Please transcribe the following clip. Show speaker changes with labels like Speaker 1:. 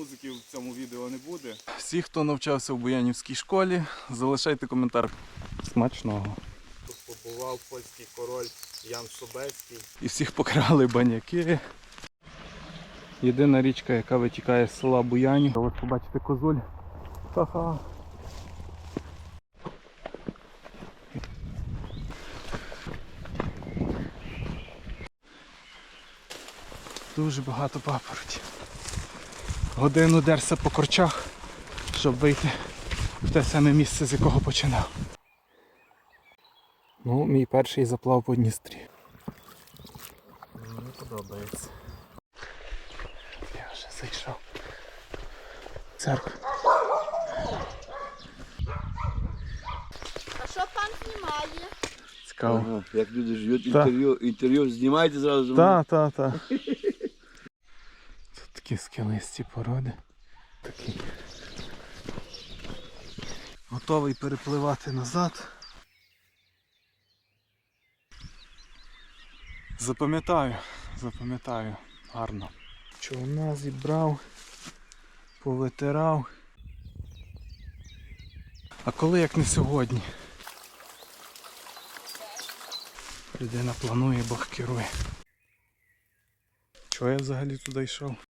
Speaker 1: музики в цьому відео не буде. Всі, хто навчався в Буянівській школі, залишайте коментар. Смачного. Тут побував польський король Ян Собецький. І всіх покрали баняки. Єдина річка, яка витікає з села Буянів. Ось побачите козуль. Ха-ха. Дуже багато папороті. Годину дерся по корчах, щоб вийти в те саме місце, з якого починав. Ну, мій перший заплав по Дністрі. Мені подобається. Я вже зайшов. Церква.
Speaker 2: А що пан знімає?
Speaker 1: Цікаво.
Speaker 3: Ага, як люди живуть,
Speaker 1: Та.
Speaker 3: інтерв'ю знімайте зразу.
Speaker 1: Так. Тут такі скелисті породи. Такі. Готовий перепливати назад. Запам'ятаю. Гарно. Човна зібрав, повитирав. А коли як не сьогодні? Людина планує, Бог керує. Чого я взагалі туди йшов?